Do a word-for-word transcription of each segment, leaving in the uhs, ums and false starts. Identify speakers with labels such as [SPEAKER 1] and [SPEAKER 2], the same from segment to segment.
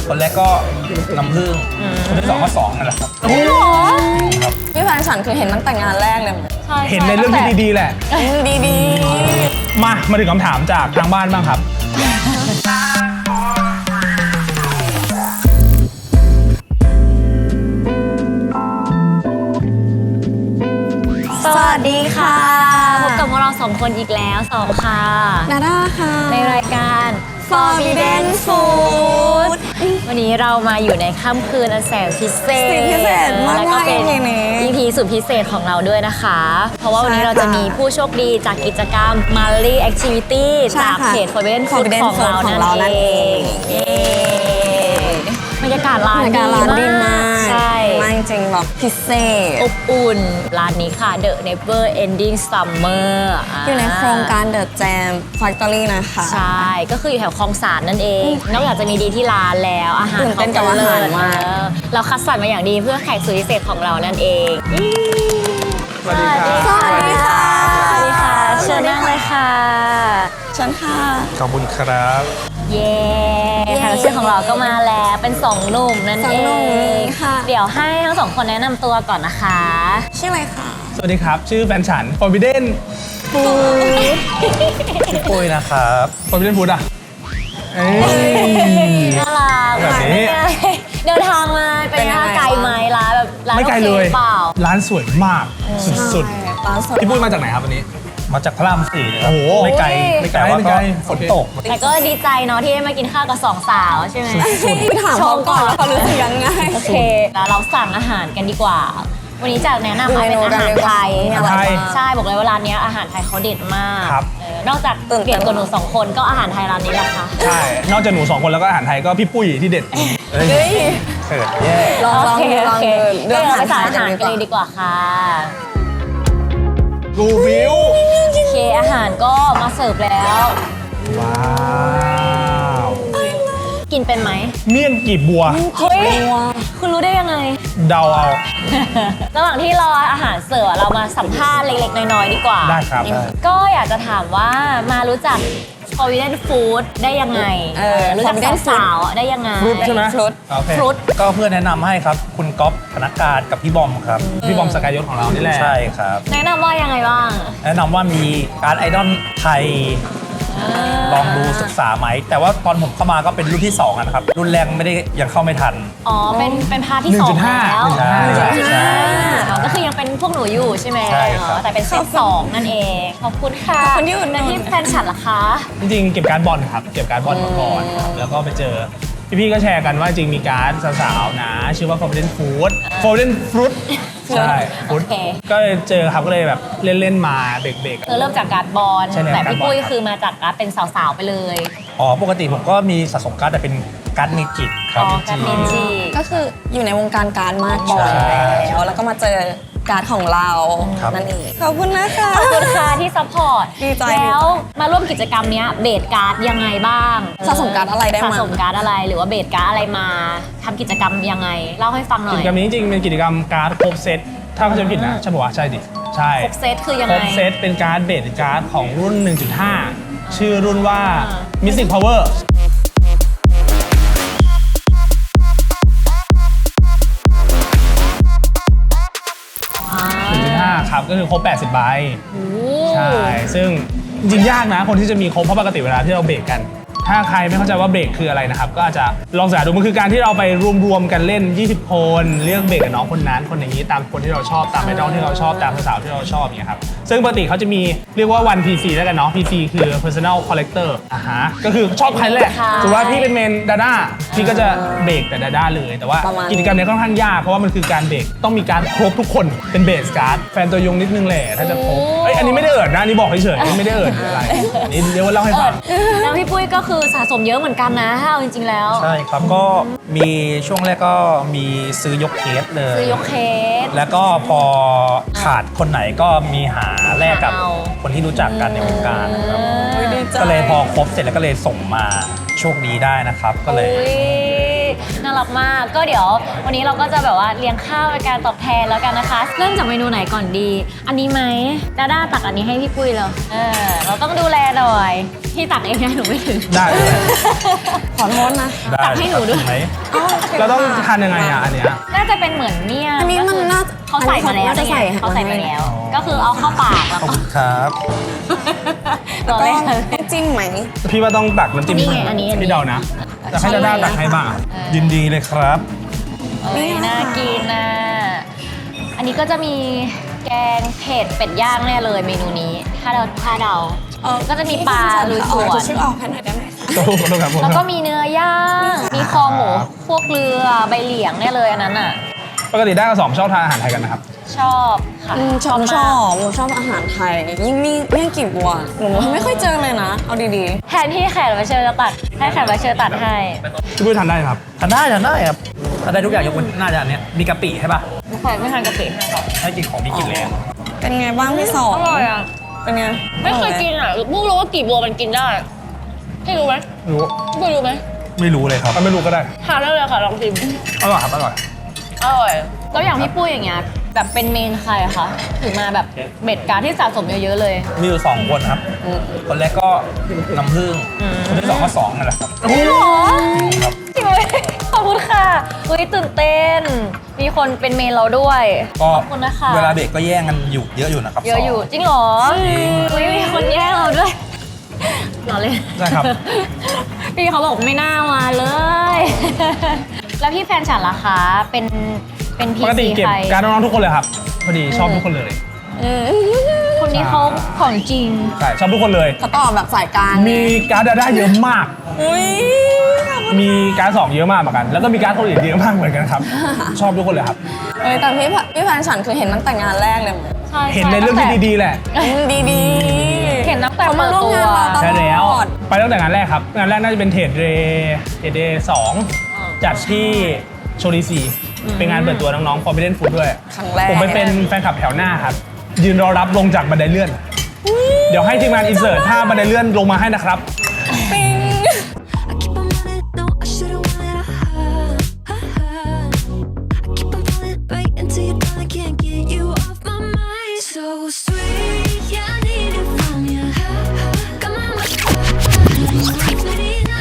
[SPEAKER 1] คนแรกก็น้ำผึ้งคนที่สองก็สองนั่นแหละครับ
[SPEAKER 2] โอ้โห
[SPEAKER 1] ครับ
[SPEAKER 3] พี่แฟนฉันคือเห็นตั้งแต่งานแรกเลย
[SPEAKER 2] ใช่
[SPEAKER 4] เห็นในเรื่องที่ดีๆแหละ
[SPEAKER 3] ดีดี
[SPEAKER 4] มา มาถึงคำถามจากทางบ้านบ้างครับ
[SPEAKER 2] สวัสดีค่ะพบกับพวกเราสองคนอีกแล้วสองค่ะ
[SPEAKER 3] นาด้าค่ะ
[SPEAKER 2] ในรายการ
[SPEAKER 3] Forbidden Food
[SPEAKER 2] วันนี้เรามาอยู่ในค่ำคืนอันแสนพิเศษ
[SPEAKER 3] พิเศษมากๆ
[SPEAKER 2] แล้วก็เป็น
[SPEAKER 3] อี พี นี้
[SPEAKER 2] อี พี สุดพิเศษของเราด้วยนะคะ เพราะว่าวันนี้
[SPEAKER 3] ใช่
[SPEAKER 2] เราจะมีผู้โชคดีจากกิจกรรม Mali Activity
[SPEAKER 3] ใช่
[SPEAKER 2] จาก
[SPEAKER 3] ค่ะ
[SPEAKER 2] เพจ Forbidden Food
[SPEAKER 3] Forbidden
[SPEAKER 2] ของเรา
[SPEAKER 3] Food ของ
[SPEAKER 2] นั่น
[SPEAKER 3] เรานั่น
[SPEAKER 2] เอ
[SPEAKER 3] เอง
[SPEAKER 2] งเย้บรรยากาศร้าน
[SPEAKER 3] บรรยากาศร้านดีมาก
[SPEAKER 2] ใช่
[SPEAKER 3] มากจริงๆแบบพิเศษ
[SPEAKER 2] อบอุ่น ร้านนี้ค่ะ The Never Ending Summer
[SPEAKER 3] อยู่ในโครงการ The Jam Factory นะคะ
[SPEAKER 2] ใช่ ก็คืออยู่แถวคลองสานนั่นเอง นอกจากจะมีดีที่ร้านแล้วอาหาร
[SPEAKER 3] ตื่นเต้นกับอาหารมาก
[SPEAKER 2] เออเราคัดสรรมาอย่างดีเพื่อแขกสุดพิเศษของเรานั่นเอง
[SPEAKER 4] สวัสดีครับ
[SPEAKER 2] สวัสดีค่ะ สวัสดีค่ะ เชิญนั่งเลยค่ะ
[SPEAKER 3] ฉันค่ะ
[SPEAKER 1] ขอบคุณครับ
[SPEAKER 2] เย้
[SPEAKER 3] เย้
[SPEAKER 2] แขกรับเชิญของเราก็มาแล้วเป็นสองหนุ่มนั่น
[SPEAKER 3] สอ
[SPEAKER 2] เอง
[SPEAKER 3] หนุ่ม
[SPEAKER 2] ง
[SPEAKER 3] ค่ะ
[SPEAKER 2] เดี๋ยวให้ทั้งสองคนแนะนำตัวก่อนนะคะ
[SPEAKER 3] ชื่ออะไรคะ
[SPEAKER 4] สวัสดีครับ ชื่อแฟนฉัน Forbidden
[SPEAKER 1] พี่ปุ้ยนะครับ
[SPEAKER 4] Forbidden Food อ่ะเอ้ย
[SPEAKER 2] น่ารัก
[SPEAKER 4] แบบนี้
[SPEAKER 2] เป็นไงเดินทางมาเป็นไงคะไกลไหมร้านแบบร้าน
[SPEAKER 4] ไม่ไกล
[SPEAKER 2] โอค
[SPEAKER 4] เลย
[SPEAKER 2] เปล่า
[SPEAKER 4] ร้านสวยมาก สุด
[SPEAKER 3] ใช่ร้านสด
[SPEAKER 4] ๆ พี่ปุ้ยมาจากไหไหนครับวันนี้
[SPEAKER 1] มาจากพระรามสี่นะครับ
[SPEAKER 4] โอ้โห
[SPEAKER 1] ไม่ไกล ไม่ไกลแต่ว่า
[SPEAKER 4] ไม่
[SPEAKER 1] ก็
[SPEAKER 4] ไกล
[SPEAKER 1] ฝนตก
[SPEAKER 2] แต่ก็ดีใจเนาะที่ได้มากินข้าวกับสองสาวใช่ไหม
[SPEAKER 3] ไปถามเขาก่อนว่าเขารู้สึกยังไง
[SPEAKER 2] โอเคแล้วเราสั่งอาหารกันดีกว่า วันนี้จะแนะนำมาเป็นอาหารไทย
[SPEAKER 3] อาหารไทย
[SPEAKER 2] ใช่บอกเลยว่าร้านนี้อาหารไทยเขาเด็ดมาก
[SPEAKER 4] ครับ
[SPEAKER 2] เออนอกจาก
[SPEAKER 3] ตื่นเต้น
[SPEAKER 2] เด็ดกว่าหนูสองคนก็อาหารไทยร้านนี้แหละค่ะ
[SPEAKER 4] ใช่ นอกจากหนูสองคนแล้วก็อาหารไทยก็พี่ปุ้ยที่เด็ด
[SPEAKER 1] เอ้ย
[SPEAKER 3] เฮ้ย
[SPEAKER 1] เขินแย่
[SPEAKER 3] ลองลอง
[SPEAKER 2] โอเค
[SPEAKER 3] ดูล
[SPEAKER 2] โอ
[SPEAKER 3] อง
[SPEAKER 2] เค
[SPEAKER 3] ดู
[SPEAKER 2] เดี๋ยวเราไปสั่งอา
[SPEAKER 3] กั
[SPEAKER 2] หาร
[SPEAKER 3] น
[SPEAKER 2] กันเลยดีกว่าค่ะ
[SPEAKER 4] กูวิว
[SPEAKER 2] โอเคอาหารก็มาเสิร์ฟแล้ว
[SPEAKER 4] ว้าว
[SPEAKER 2] กินเป็นไหม
[SPEAKER 4] เมี่ยงกีบบัว
[SPEAKER 2] เฮ้ยคุณรู้ได้ยังไง
[SPEAKER 4] เดาเอา
[SPEAKER 2] ระหว่างที่รออาหารเสิร์ฟเรามาสัมภาษณ์เล็กๆน้อยๆดีกว่า
[SPEAKER 4] ได้ครับได้
[SPEAKER 2] ก็อยากจะถามว่ามารู้จัก Forbidden Food ได้ยังไง
[SPEAKER 3] เออ
[SPEAKER 2] รู้จัก
[SPEAKER 3] Forbidden
[SPEAKER 2] สาวๆได้ยังไง
[SPEAKER 4] ฟรุตใช่ไหม
[SPEAKER 3] ฟรุต
[SPEAKER 4] โอเค
[SPEAKER 2] ฟรุต
[SPEAKER 1] ก็เพื่อนแนะนำให้ครับ คุณก๊อฟพนักงานกับพี่บอมครับ
[SPEAKER 4] พี่บอมสกายยศของเรานี่แหละ
[SPEAKER 1] ใช่ครับ
[SPEAKER 2] แนะนำว่ายังไงบ้าง
[SPEAKER 1] แนะนำว่ามีการดไอดอลไทย ลองดูศึกษาไหม แต่ว่าตอนผมเข้ามาก็เป็นรุ่นที่สองนะครับ รุ่นแรกไม่ได้ยังเข้าไม่ทัน
[SPEAKER 2] อ๋อ เป็นเป็นพาร์ทที่สอง
[SPEAKER 4] หนึ่งจุดห้า
[SPEAKER 2] แล้ว
[SPEAKER 4] ใช่
[SPEAKER 1] ใช่
[SPEAKER 2] อ่าอ๋อก็คือยังเป็นพวกหนูอยู่ใช่ไหม
[SPEAKER 1] ใช่ครับ
[SPEAKER 2] อ๋อแต่เป็นเซตสองนั่นเอง ขอบคุณค่ะ
[SPEAKER 3] ขอบคุณที่อุดหนุน
[SPEAKER 2] แล้วที่แฟนฉันล่ะคะ
[SPEAKER 4] จริงๆเก็บการ์ดบอลครับ เก็บการ์ดบอลมาก่อนครับแล้วก็ไปเจอ พี่ๆก็แชร์กันว่าจริงมีการ์ดสาวๆนะ ชื่อว่า Forbidden Food Forbidden Fruit ใช่
[SPEAKER 2] โอ
[SPEAKER 4] Fruit
[SPEAKER 2] เค
[SPEAKER 4] ก็เลยเจอครับก็เลยแบบเล่นๆมาเบรก
[SPEAKER 2] เธอเริ่มจากการ์ดบอล
[SPEAKER 4] ใช่แล้ว
[SPEAKER 2] แต่
[SPEAKER 4] การ์ด
[SPEAKER 2] พี่
[SPEAKER 4] บอล
[SPEAKER 2] ปุ้ย
[SPEAKER 4] ครับ
[SPEAKER 2] คือมาจากการ์ดเป็นสาวๆไปเลย
[SPEAKER 1] อ๋อ ปกติผมก็มีสะสมการ์ดแต่เป็นการ์ดเมจิกค
[SPEAKER 2] อ๋
[SPEAKER 1] รับ
[SPEAKER 2] อ การ์ดเมจิ
[SPEAKER 3] ก็คืออยู่ในวงการการดมาก่อน
[SPEAKER 1] ใช่
[SPEAKER 3] แล้วแล้วก็มาเจอการดของเรา
[SPEAKER 1] ครับ
[SPEAKER 3] นั่นเองขอบคุณนะคะ
[SPEAKER 2] ขอบคุณค่ะที่ซัพพอร์ต
[SPEAKER 3] ดีใจ
[SPEAKER 2] แล้วมาร่วมกิจกรรมเนี้ยเบสการ์ดยังไงบ้าง
[SPEAKER 3] สะสมการ์ดอะไรได้มา
[SPEAKER 2] สะสมการ์ดอะไรหรือว่าเบสการ์ดอะไรมาทำกิจกรรมยังไง เล่าให้ฟังหน่
[SPEAKER 4] กิ
[SPEAKER 2] อย
[SPEAKER 4] จกรรมนี้จริงๆเป็นกิจกรรมการ์ดครบเซตถ้าเขาจะไม่ผิดนะใช่ปะวะใช่ดิใช่
[SPEAKER 2] ครบเซตคือยัง
[SPEAKER 4] คร
[SPEAKER 2] ไง
[SPEAKER 4] บเซตเป็นการ์ดเบสการ์ดของรุ่น หนึ่งจุดห้า ชื่อรุ่นว่า
[SPEAKER 2] อ่า
[SPEAKER 4] Mystic Power
[SPEAKER 2] อ่า
[SPEAKER 4] หนึ่งจุดห้า ครับ ก็คือครบ แปดสิบ ใบ
[SPEAKER 2] โอ้
[SPEAKER 4] ใช่ ซึ่งจริงๆ ยากนะ คนที่จะมีครบเพราะปกติเวลาที่เราเบรกกัน ถ้าใครไม่เข้าใจว่าเบรกคืออะไรนะครับ ก็อาจจะลองศึกษาดูมันคือการที่เราไปรวมๆกันเล่น ยี่สิบ คนเลือกเบรกกับน้องคนนั้นคนอย่างนี้ตามคนที่เราชอบตามไอดอลที่เราชอบตามสาวๆที่เราชอบอย่างเงี้ยครับซึ่งปกติเขาจะมีเรียกว่า one พี ซี แล้วกันเนาะ พี ซี คือ personal collector อ่าฮะก็คือชอบใครแหละสมมติว่าพี่เป็นเมนดาด้าพี่ก็จะเบรกแต่ดาด้าเลยแต่ว่า
[SPEAKER 3] ประมาณ
[SPEAKER 4] กิจกรรมเนี้ยค่อนข้างยากเพราะว่ามันคือการเบรกต้องมีการครบทุกคนเป็นเบสการ์ดแฟนตัวยงนิดนึงแหละถ้าจะครบเอ้ยอันนี้ไม่ได้เอิดนะอันนี้บอกเฉยๆไม่ได้เอิดอะไรอันนี้เดี๋ยวว่าเล่าให้ฟัง
[SPEAKER 2] แล้วพี่ปุ้ยก็คือสะสมเยอะเหมือนกันนะถ้าเอาจริงๆแล้ว
[SPEAKER 1] ใช่ครับ ก็มีช่วงแรกก็มีซื้อยกเคสเลย
[SPEAKER 2] ซื้อยกเคส
[SPEAKER 1] แล้วก็พอขาดคนไหนก็มีหาแลกกับ
[SPEAKER 2] เอา
[SPEAKER 1] คนที่รู้จักกันในวงการนะครับ
[SPEAKER 3] อุ๊ยดีใจ
[SPEAKER 1] ก็เลยพอครบเสร็จแล้วก็เลยส่งมาโชคดีได้นะครับ ก็เลย
[SPEAKER 2] อุ๊ยน่ารักมากก็เดี๋ยววันนี้เราก็จะแบบว่าเลี้ยงข้าวเป็นการตอบแทนแล้วกันนะคะ เริ่มจากเมนูไหนก่อนดี อันนี้ไหมดาด้าตักอันนี้ให้พี่ปุ้ยเลยเออเราต้องดูแลหน่อยพี่ตักเองนะหนูไม่ถึง
[SPEAKER 4] ได้เลย
[SPEAKER 3] ขอโทษนะ
[SPEAKER 1] ได้
[SPEAKER 2] ตักให้หนูด้วย
[SPEAKER 1] ไหม
[SPEAKER 4] เราต้องทานยังไงอ่ะอันเนี้ย
[SPEAKER 2] น่าจะเป็นเหมือนเมี่ยง
[SPEAKER 3] อันนี้มันน่า
[SPEAKER 2] เขาใส่มาแล้ว
[SPEAKER 3] น่าจะใส่
[SPEAKER 2] นี่ไงเขาใส่มาแล้ว
[SPEAKER 1] อ๋อ
[SPEAKER 2] ก็คือเอาเข้าปากแล้ว
[SPEAKER 1] ขอบ
[SPEAKER 2] ก็
[SPEAKER 1] คุณครับ
[SPEAKER 2] รอ
[SPEAKER 3] ก็
[SPEAKER 2] เล่น
[SPEAKER 3] ต้องจิ้มไหม
[SPEAKER 4] พี่ว่าต้องตักน้ำจิ้ม
[SPEAKER 2] นี่ไงอันนี้อันนี้
[SPEAKER 4] พี่เดานะแต่ให้ดาด้าตักให้บ้างอะ
[SPEAKER 1] ยินดีเลยครับ
[SPEAKER 2] เอ้ยน่ากินนะอันนี้ก็จะมีแกงเผ็ดเป็ดย่างแน่เลยเมนูนี้ ถ้าเราถ้าเดา
[SPEAKER 3] เออ
[SPEAKER 2] ก็จะมีปลาลุยสวน
[SPEAKER 3] เอาชื่อออกให้หน่อยได้ไหมคะ
[SPEAKER 4] โทษขอโทษครับผม
[SPEAKER 2] แล้วก็มีเนื้อย่างมีคอหมูพวกเรือใบเหลียงแน่เลยอันนั้นอ่ะ
[SPEAKER 4] ปกติได้กับสองชอบทานอาหารไทยกันนะครับ
[SPEAKER 2] ชอบค่ะ
[SPEAKER 3] อืมชอบ
[SPEAKER 2] มาก
[SPEAKER 3] ชอบหนูชอบอาหารไทย ยิ่งมีเมี่ยงกีบบัวหนูไม่ค่อยเจอเลยนะ เอาดี
[SPEAKER 2] แทนที่แขกรับเชิญจะตัดให้แขกรับเชิญตัดให้
[SPEAKER 4] พี่ปุ้ยทานได้ครับ
[SPEAKER 1] ทานได้ทานได้ครับทานได้ทุกอย่างยกเว้นน่าจะอันเนี้ยมีกะปิใช่ป่ะ
[SPEAKER 2] แขกไม่ทานกะปิให้ค่ะ
[SPEAKER 1] ให้กินของมีกลิ่นเลยอะ
[SPEAKER 3] ๆ เป็นไงบ้างพี่สอง
[SPEAKER 2] อร่อยอ่ะ
[SPEAKER 3] เป็นไง
[SPEAKER 2] ไม่เคยกินอ่ะเพิ่งรู้ว่ากีบบัวมันกินได้พี่รู้ไหม
[SPEAKER 4] รู้
[SPEAKER 2] พี่รู้ไหม
[SPEAKER 1] ไม่รู้เลยครับ
[SPEAKER 4] ถ้าไม่รู้ก็ได้
[SPEAKER 2] ทานได้เลยค่ะลองชิม
[SPEAKER 1] อร่อยครับอร่อย
[SPEAKER 2] อร่อยแล้วอย่างพี่ปุ้ยอย่างเงี้ยแบบเป็นเมนใครอะคะถึงมาแบบเบ็ดการดที่สะสมเยอะๆเลย
[SPEAKER 1] มีอยู่สองคนครับ คนแรกก็น้ำผึ้งคนที่สองก็สองนั่นแหละครับ
[SPEAKER 2] จริงเหรอ
[SPEAKER 1] ครับ
[SPEAKER 2] จริงไหมขอบคุณค่ะเฮ้ยตื่นเต้น มีคนเป็นเมนเราด้วย
[SPEAKER 1] ก็
[SPEAKER 2] ขอบคุณนะคะ
[SPEAKER 1] เวลาเบรกก็แย่งกันอยู่เยอะอยู่นะครับ
[SPEAKER 2] เยอะอยู่
[SPEAKER 1] สง
[SPEAKER 2] จริงเหรอ
[SPEAKER 1] จริง
[SPEAKER 2] เฮ้ยมีคนแย่งเราด้วยเราเลย
[SPEAKER 1] ใช่ครับ
[SPEAKER 2] พี่เขาบอกไม่น่ามาเลย แล้วพี่แฟนฉันล่ะคะเป็นเป็นพี
[SPEAKER 4] ปกติ
[SPEAKER 2] ซี
[SPEAKER 4] เก็บ
[SPEAKER 2] ใคร
[SPEAKER 4] การดน้องๆทุกคนเลยครับ พอดีชอบทุกคนเลย
[SPEAKER 3] อืม
[SPEAKER 2] คนนี้เขาของจริง
[SPEAKER 4] ใช่ชอบทุกคนเลย
[SPEAKER 3] เขาตอบแบบสายกลาง
[SPEAKER 4] มีการ์ดดาด้าเยอะมาก
[SPEAKER 3] อุ้ย
[SPEAKER 4] มีการ์ดสองเยอะมากเหมือนกัน แล้วก็มีการ์ดคนอื่นเยอะมากเหมือนกันครับ ชอบทุกคนเลยครับ
[SPEAKER 3] เอ้ยแต่พี่พี่แฟนฉันคือเห็นตั้งแต่งานแรกเลยมั้ย
[SPEAKER 2] ใช่
[SPEAKER 4] เห็นในเรื่องที่ดีๆแหละ
[SPEAKER 3] ดีดีๆ
[SPEAKER 2] เห็นตั้งแต่
[SPEAKER 3] เขา
[SPEAKER 2] เปิ
[SPEAKER 3] มา
[SPEAKER 2] ด
[SPEAKER 3] ร่วม
[SPEAKER 2] ตัว
[SPEAKER 3] งานเราต
[SPEAKER 4] ใช่
[SPEAKER 3] ล
[SPEAKER 4] แล้ว
[SPEAKER 3] อด
[SPEAKER 4] ไปตั้งแต่งานแรกครับ งานแรกน่าจะเป็นเทรดเดย์เทรดเดย์สองจัดที่โชลีซีเป็นงานเปิดตัวน้องๆ Forbidden Food ด้วย
[SPEAKER 3] ครั้งแรก
[SPEAKER 4] ผมไปเป็นแฟนคลับแถวหน้าครับ ยืนรอรับลงจากบันไดเลื่อน เดี๋ยวให้ทีมงานอินเสิร์ตถ้าบันไดเลื่อนลงมาให้นะครับ
[SPEAKER 3] ปิ๊ง
[SPEAKER 5] I keep on running, no, I should've wanted a high. I keep on falling right into your thought, I can't get you off my mind. So sweet, yeah, I need it from you. Got my mind ready now.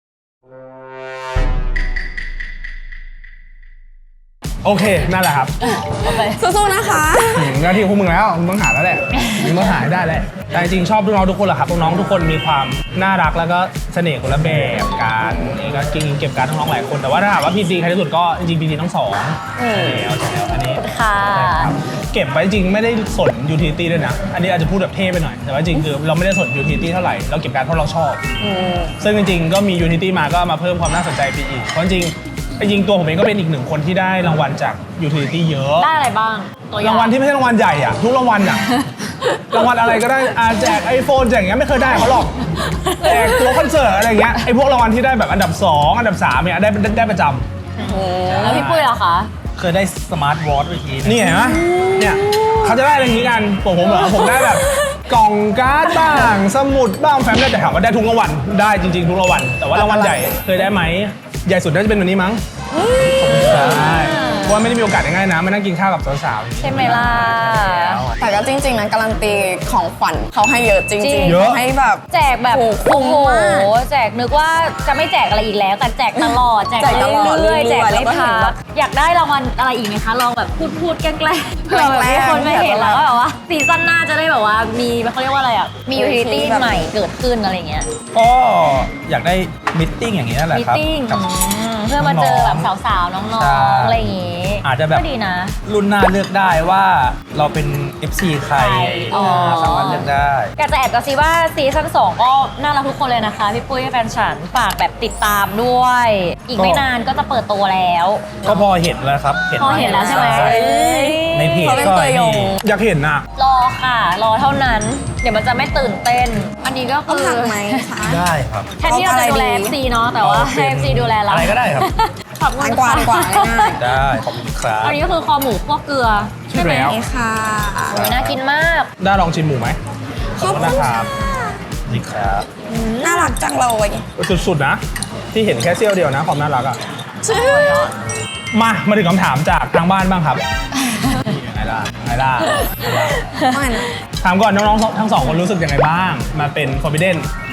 [SPEAKER 4] โอเค นั่นแหละครับ
[SPEAKER 3] สู้ๆนะคะ
[SPEAKER 4] ถึงหน้าที่ของพวกมึงแล้วมึงต้องหาแล้วแหละมึงต้องหาให้ได้แหละแต่จริงๆชอบน้องๆทุกคนแหละครับน้องๆทุกคนมีความน่ารักแล้วก็เสน่ห์คนละแบบการเองก็จริงๆเก็บการดน้องๆหลายคนแต่ว่าถ้าถามว่าพีซีใครที่สุดก็จริงๆพีซีทั้งสองใช่แล้วใช่แล้วอันนี้
[SPEAKER 2] ค่ะ
[SPEAKER 4] ใช่ครับเก็บไว้จริงไม่ได้สนยูทิลิตี้ด้วยนะอันนี้อาจจะพูดแบบเท่ไปหน่อยแต่ว่าจริงคือเราไม่ได้สนยูทิลิตี้เท่าไหร่เราเก็บการดเพราะเราชอบซึ่งจริงๆก็มียูทิลิตี้มาก็มาเพิ่มความน่าสนใจไปอีกเพราะจริงจริงตัวผมเองก็เป็นอีกหนึ่งคนที่ได้รางวัลจากยูทิลิตี้เยอะ
[SPEAKER 2] ได้อะไรบ้างตัวอย่
[SPEAKER 4] รางวัลที่ไม่ใช่รางวัลใหญ่อะทุกรางวัลอะ รางวัลอะไรก็ได้อาแจกไอโฟนแจกอย่างเงี้ยไม่เคยได้เขาหรอกแจกตัวคอนเสิร์ตอะไรอย่างเงี้ยไอพวกรางวัลที่ได้แบบอันดับสองอันดับสามเนี่ยได้ได้ได้ประจำ
[SPEAKER 2] แล้วพี่ปุ้ยล่ะคะ
[SPEAKER 1] เคยได้สมาร์ทวอทเมื่อกี้
[SPEAKER 4] นี่เห็นไหมเนี่ยเขาจะได้อะไรอย่างงี้กันผมผมเหรอผมได้แบบกล่องการ์ดบ้างสมุดบ้างแฟ้มได้แต่ถามว่าได้ทุกรางวัลได้จริงๆทุกรางวัลแต่ว่ารางวัลใหญ่เคยได้ไหมใหญ่สุดน่าจะเป็นวันนี้มั้งใช่เพราะว่าไม่ได้มีโอกาสง่ายๆนะมานั่งกินข้าวกับสาวๆ
[SPEAKER 2] ใช่ไหมล่ะ
[SPEAKER 3] แต่ก็จริงๆนะการันตีของขวัญเขาให้เยอะจริง
[SPEAKER 2] จริง
[SPEAKER 3] ๆ
[SPEAKER 4] เยอะ
[SPEAKER 3] ให้แบบ
[SPEAKER 2] แจกแบบ
[SPEAKER 3] โอ้โห
[SPEAKER 2] โอ้โห
[SPEAKER 3] มาก
[SPEAKER 2] แจกนึกว่าจะไม่แจกอะไรอีกแล้ว แต่แจกตลอด แจก
[SPEAKER 3] แจกตลอด
[SPEAKER 2] เรื่อยๆ
[SPEAKER 3] เรื่
[SPEAKER 2] แจ
[SPEAKER 3] อย
[SPEAKER 2] ก
[SPEAKER 3] ๆแล้
[SPEAKER 2] ไม่
[SPEAKER 3] วก็เห็
[SPEAKER 2] พั
[SPEAKER 3] นแบ
[SPEAKER 2] ก
[SPEAKER 3] บ
[SPEAKER 2] อยากได้รางวัลอะไรอีกไหมคะ ลองแบบพูดพูดๆแกล้งๆเผื่อแบบ
[SPEAKER 3] แกล้
[SPEAKER 2] มี
[SPEAKER 3] งๆ
[SPEAKER 2] คนไม่เห็น
[SPEAKER 3] แบ
[SPEAKER 2] แล้ว
[SPEAKER 3] บ
[SPEAKER 2] ก็แบบว่าซีซั่นหน้าจะได้แบบว่ามีเขาเรียกว่าอะไรอ่ะ มี
[SPEAKER 3] เว
[SPEAKER 2] ยู
[SPEAKER 3] ที
[SPEAKER 2] ทิลิตี้
[SPEAKER 3] แบบ
[SPEAKER 2] ใหม่เกิดขึ้นอะไรเงี้ย
[SPEAKER 1] ก็อยากได้มิทติ้งอย่างนี้นั่นแหละ
[SPEAKER 2] มี
[SPEAKER 1] ครับ
[SPEAKER 2] ติ้ง
[SPEAKER 1] กับ
[SPEAKER 2] เพื่อมาเจอแบบ
[SPEAKER 1] น้อง
[SPEAKER 2] สาวๆ น้อง
[SPEAKER 1] ใช่
[SPEAKER 2] ๆ อะไรอย่างงี้
[SPEAKER 1] อาจจะแบบ
[SPEAKER 2] ก็ดีนะ
[SPEAKER 1] รุ่นหน้าเลือกได้ว่าเราเป็น เอฟ ซี ใคร
[SPEAKER 2] ใครอ๋อ
[SPEAKER 1] สามารถเลือกได้
[SPEAKER 2] อยากจะแอบกระซิบว่าซีซั่นสองก็น่ารักทุกคนเลยนะคะ พี่ปุ้ยแฟนฉันฝากแบบติดตามด้วย อีกไม่นานก็จะเปิดตัวแล้ว
[SPEAKER 1] ก็พอเห็นแล้วครับ
[SPEAKER 2] พอเห็นแล้วใช่ไหม
[SPEAKER 1] ในเพจ
[SPEAKER 3] เขาเป็น
[SPEAKER 1] ก็
[SPEAKER 3] ตัวยง
[SPEAKER 1] นี่
[SPEAKER 4] อยากเห็นนะ
[SPEAKER 2] รอค่ะ รอเท่านั้น เดี๋ยวมันจะไม่ตื่นเต้น อันนี้ก็
[SPEAKER 3] เอา
[SPEAKER 2] คือ
[SPEAKER 3] ผักไหมคะ
[SPEAKER 1] ได้ครับ
[SPEAKER 2] แทนที่เราจะดูแล
[SPEAKER 3] เอา
[SPEAKER 2] เอ
[SPEAKER 3] อะไรดี
[SPEAKER 2] ฟซีเนาะแต่ว่าให้ เอฟ ซีดูแลเรา
[SPEAKER 1] อะไรก็ได้ครับ
[SPEAKER 2] ขอบคุ
[SPEAKER 3] ทา
[SPEAKER 2] ณ
[SPEAKER 3] นกว่าดีกว่าง่าย
[SPEAKER 1] ได้ขอบคุณครับ
[SPEAKER 2] อันนี้ก็คือคอหมูคั่วเกลือใช่ไหม
[SPEAKER 4] ใช่แล้ว
[SPEAKER 3] ๆนี่ค่ะ
[SPEAKER 2] โอ้ยน่ากินมาก
[SPEAKER 4] ได้ลองชิมหมูไหม
[SPEAKER 3] ขอบคุณ
[SPEAKER 4] นะครับ
[SPEAKER 1] นี่ครับ
[SPEAKER 3] น่ารักจังเลย
[SPEAKER 4] สุดๆนะ ที่เห็นแค่เสี้ยวเดียวนะความน่ารักอ่ะ
[SPEAKER 3] ชื่อ
[SPEAKER 4] มามาถึงคำถามจากทางบ้านบ้างครับไงล่ะไงล่ะไงล่ะ
[SPEAKER 3] ไม่นะ
[SPEAKER 4] ถามก่อนน้องๆทั้งสองคนรู้สึกยังไงบ้าง มาเป็น Forbidden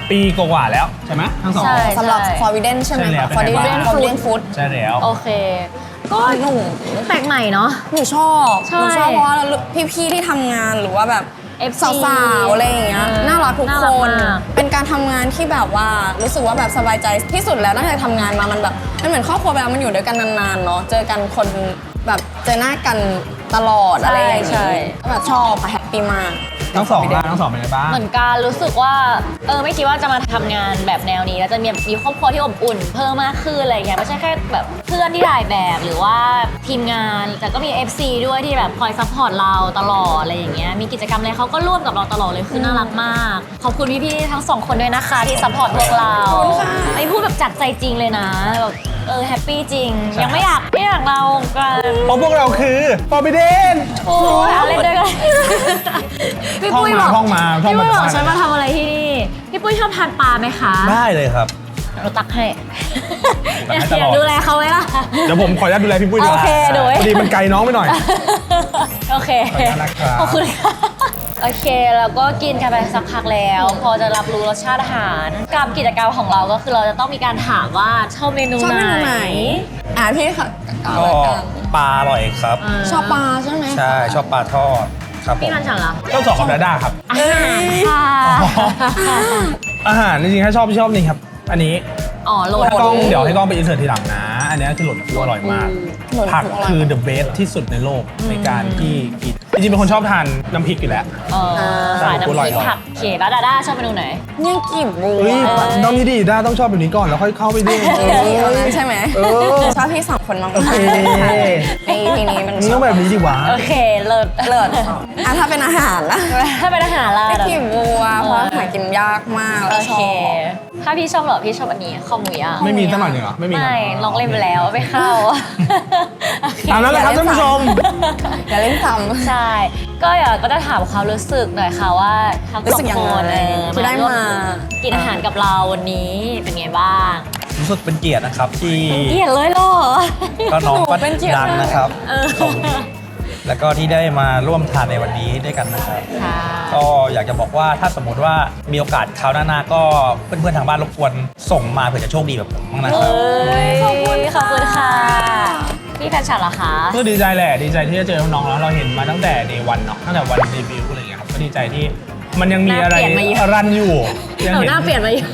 [SPEAKER 4] ปีกว่าๆแล้วใช่ไหมทั้งสอง
[SPEAKER 2] ใช่
[SPEAKER 3] สำหรับ Forbidden ใช่ไหม
[SPEAKER 4] ใช่แล้ว
[SPEAKER 3] คะ
[SPEAKER 4] เป็นไงบ้าง
[SPEAKER 3] Forbidden Forbidden Food
[SPEAKER 4] ใช่แล้ว
[SPEAKER 2] โอเค ก็
[SPEAKER 3] หนู
[SPEAKER 2] แปลกใหม่เนาะ
[SPEAKER 3] หนูชอบ
[SPEAKER 2] ใช่
[SPEAKER 3] หนูชอบเพราะว่าพี่ๆที่ทำงานหรือว่าแบบ
[SPEAKER 2] เอฟซี
[SPEAKER 3] สาวๆอะไรอย่างเงี้ย
[SPEAKER 2] เออ
[SPEAKER 3] น่ารักทุก
[SPEAKER 2] น่า
[SPEAKER 3] ค
[SPEAKER 2] รัก
[SPEAKER 3] น
[SPEAKER 2] มาก
[SPEAKER 3] เป็นการทำงานที่แบบว่ารู้สึกว่าแบบสบายใจที่สุดแล้วตั้งแต่ทำงานมามันแบบมันเหมือนครอบครัวเวลามันอยู่ด้วยกันนานๆเนาะเจอกันคนแบบเจอหน้ากันตลอดอะไรอย่าง
[SPEAKER 2] ใช่
[SPEAKER 3] เงี้ยแบบชอบค่ะแฮปปี้มาก
[SPEAKER 4] ทั้งสองบ้านทั้งสองเป็นไงบ้าง
[SPEAKER 2] เหมือนกันรู้สึกว่าเออไม่คิดว่าจะมาทำงานแบบแนวนี้แล้วจะมีมีครอบครัวที่อบอุ่นเพิ่มมากขึ้นอะไรอย่างเงี้ยไม่ใช่แค่แบบเพื่อนที่ถ่ายแบบหรือว่าทีมงานแต่ก็มี เอฟ ซี ด้วยที่แบบคอยซัพพอร์ตเราตลอดอะไรอย่างเงี้ยมีกิจกรรมอะไรเขาก็ร่วมกับเราตลอดเลยคือน่ารักมากขอบคุณพี่ๆทั้งสองคนด้วยนะคะที่ซัพพอร์ตพวกเราไอ้พูดแบบจากใจจริงเลยนะแบบเออแฮปปี้จริง
[SPEAKER 4] ใช่
[SPEAKER 2] ยังไม่อยากไม่อยากเรากัน
[SPEAKER 4] เพราะพวกเราคือ Forbidden
[SPEAKER 2] โอ้ยเอาเล่นด้วยกันพี่ปุ้ยบอก
[SPEAKER 4] ท่องมาท่องมา
[SPEAKER 2] พี่ปุ้ยบอก
[SPEAKER 4] ท่องมา
[SPEAKER 2] ฉันมาทำอะไรที่นี่พี่ปุ้ยชอบทานปลาไหมคะ
[SPEAKER 1] ได้เลยครับ
[SPEAKER 2] เราตักให้
[SPEAKER 1] ตักให้
[SPEAKER 2] อ
[SPEAKER 1] ตลอด
[SPEAKER 2] ยากดูแลเขาไหมล่ะ
[SPEAKER 4] เดี๋ยวผมขออนุญาตดูแลพี่ปุ้ยดีก
[SPEAKER 2] โอ
[SPEAKER 4] ว่า
[SPEAKER 2] เคดูไว้
[SPEAKER 4] พอดีมันไกลน้องไปหน่อย
[SPEAKER 2] โอเค
[SPEAKER 4] ขอบคุณนะครับ
[SPEAKER 2] ขอบคุณค่ะโอเคแล้วก็กินกันไปสักพักแล้ว พอจะรับรู้รสชาติอาหารกับกิจกรรมของเราก็คือเราจะต้องมีการถามว่าชอบเมนู
[SPEAKER 3] ชอบ
[SPEAKER 2] ไหน
[SPEAKER 3] เมนูไหนอ่ะพี่ค่ะเอา
[SPEAKER 1] ก็
[SPEAKER 3] ละกัน
[SPEAKER 1] ปลาอร่อยครับ
[SPEAKER 3] ชอบปลาใช่ไหม
[SPEAKER 1] ใช่ชอบปลาทอดครับผ
[SPEAKER 2] พี่
[SPEAKER 1] ม
[SPEAKER 2] นันฉันเหรอ
[SPEAKER 4] เจ้าสองกับดาด้าครับ
[SPEAKER 2] อาหารค่ะ
[SPEAKER 4] อาหารจริงๆถ้าชอบชอบนี่ครับ อันนี้
[SPEAKER 2] อ๋อโหลด
[SPEAKER 4] ให้กล้องเดี๋ยวให้กล้องไปอินเสิร์ตทีหลังนะ อันนี้คือหล่นฟูอร่อยมาก
[SPEAKER 3] หล่นฟู
[SPEAKER 4] ผัก
[SPEAKER 3] อร่อย
[SPEAKER 4] คือ the best ที่สุดในโลกในการที่กินจริงๆเป็นคนชอบทานน้ำพริกอยู่แล้ว
[SPEAKER 2] เออสายน้ำพริกผักเขตแล้วดาด้าชอบเมนูไหน
[SPEAKER 3] เนี่ยกีบบัว
[SPEAKER 4] เฮ้ย
[SPEAKER 2] เออ
[SPEAKER 4] น้องนี่ดีด้าต้องชอบแบบนี้ก่อนแล้วค่อยเข้าไปดิ
[SPEAKER 3] เออพี่คนนั้นใช่ไหม
[SPEAKER 4] เออ
[SPEAKER 3] ชอบพี่สองคนมากๆ
[SPEAKER 4] โอเค
[SPEAKER 3] ในทีนี้มัน
[SPEAKER 4] นี่ต้องแบบนี้ดีวะ
[SPEAKER 2] โอเคเลิศ
[SPEAKER 3] เลิศอ่ะถ้าเป็นอาหารนะ
[SPEAKER 2] ถ้าเป็นอาหารล่ะ
[SPEAKER 3] กีบบัวเพราะหากินยากมาก
[SPEAKER 2] โอ
[SPEAKER 3] แล้วช
[SPEAKER 2] เค
[SPEAKER 3] อบ
[SPEAKER 2] ถ้าพี่ชอบเหรอพี่ชอบอันนี้ข้าวหมูย่าง
[SPEAKER 4] ไม่มีตั้งหน่อยหนึ่งเหรอไม่มีเหรอ
[SPEAKER 2] ไม่ลองเล่นไปแล้วไม่เข้า
[SPEAKER 4] ตามนั้นแหละครับท่านผู้ชม
[SPEAKER 3] อย่าเล่นซ้ำ
[SPEAKER 2] ใช่ ก็อยากก็จะถามความรู้สึกหน่อยค่ะว่าทั้ง
[SPEAKER 3] รู้
[SPEAKER 2] ส
[SPEAKER 3] สึ
[SPEAKER 2] อก ง
[SPEAKER 3] ยัง
[SPEAKER 2] ค
[SPEAKER 3] ไง
[SPEAKER 2] นเออ
[SPEAKER 3] ที่ได้
[SPEAKER 2] ร่ว
[SPEAKER 3] มา
[SPEAKER 2] กินอาหารกับเราวันนี้เป็นไงบ้าง
[SPEAKER 1] รู้สึกเป็นเกียรตินะครับที่
[SPEAKER 2] เกลียดเลยเหรอ
[SPEAKER 1] ก็น้องก็
[SPEAKER 3] เป็นเกียรติ
[SPEAKER 1] ดังนะครับ
[SPEAKER 2] เออ
[SPEAKER 1] ผมแล้วก็ที่ได้มาร่วมทานในวันนี้ด้วยกันนะครับ
[SPEAKER 2] ค่ะ
[SPEAKER 1] ก็อยากจะบอกว่าถ้าสมมติว่ามีโอกาสคราวหน้าๆก็เพื่อนๆทางบ้านรบกวนส่งมาเผื่อจะโชคดีแบบผมบ้างนะครับ
[SPEAKER 2] เอ้ยขอบคุณขอบคุณค่ะ พี่แฟนฉันเหรอคะ
[SPEAKER 4] ก็ดีใจแหละดีใจที่จะเจอน้องๆแล้วเราเห็นมาตั้งแต่เดย์วันเนาะตั้งแต่วันเดบิวต์อะไรอย่างเงี้ยครับก็ดีใจที่มันยังมีอะไร
[SPEAKER 2] หน้าเปลี่ยนมาเยอะ
[SPEAKER 4] รันอยู่ยั
[SPEAKER 2] เรา
[SPEAKER 4] เห็
[SPEAKER 2] หน้าเปลี่ยนไปอยู่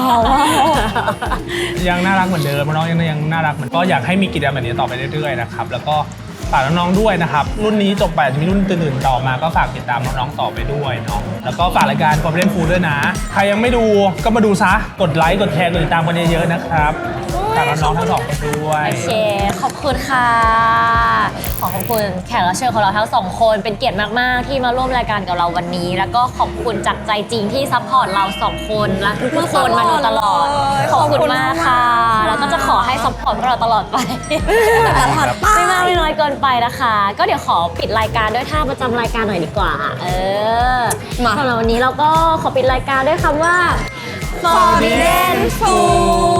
[SPEAKER 4] ยังน่ารักเหมือนเดิมน้องยังยังน่ารักเหมือนก็อยากให้มีกิจกรรมแบบนี้ต่อไปเรื่อยๆนะครับแล้วก็ฝากน้องๆด้วยนะครับรุ่นนี้จบไปอาจจะมีรุ่นอื่นๆต่อมาก็ฝากติดตามน้องๆต่อไปด้วยเนาะแล้วก็ฝากรายการ Forbidden Food ด้วยนะใครยังไม่ดูก็มาดูซะกดไลค์กดแชร์กดติดตามกันเยอะๆนะครับฝากน้องๆทั้งสองคนด้วย
[SPEAKER 2] โอเค ขอบคุณค่ะ ขอขอบคุณแขกรับเชิญของเราทั้งสองคนเป็นเกียรติมาก ๆ ที่มาร่วมรายการกับเราวันนี้ แล้วก็ขอบคุณจากใจจริงที่ซัพพอร์ตเราสองคนและทุกๆคนมาโดยตลอด ขอบคุณมากค่ะ แล้วก็จะขอให้ซัพพอร์ตพวกเราตลอดไป ไม่มากไม่น้อยเกินไปนะคะ ก็เดี๋ยวขอปิดรายการด้วยท่าประจำรายการหน่อยดีกว่า เออ
[SPEAKER 3] มา
[SPEAKER 2] สำหรับวันนี้เราก็ขอปิดรายการด้วยคำว่า Forbidden Food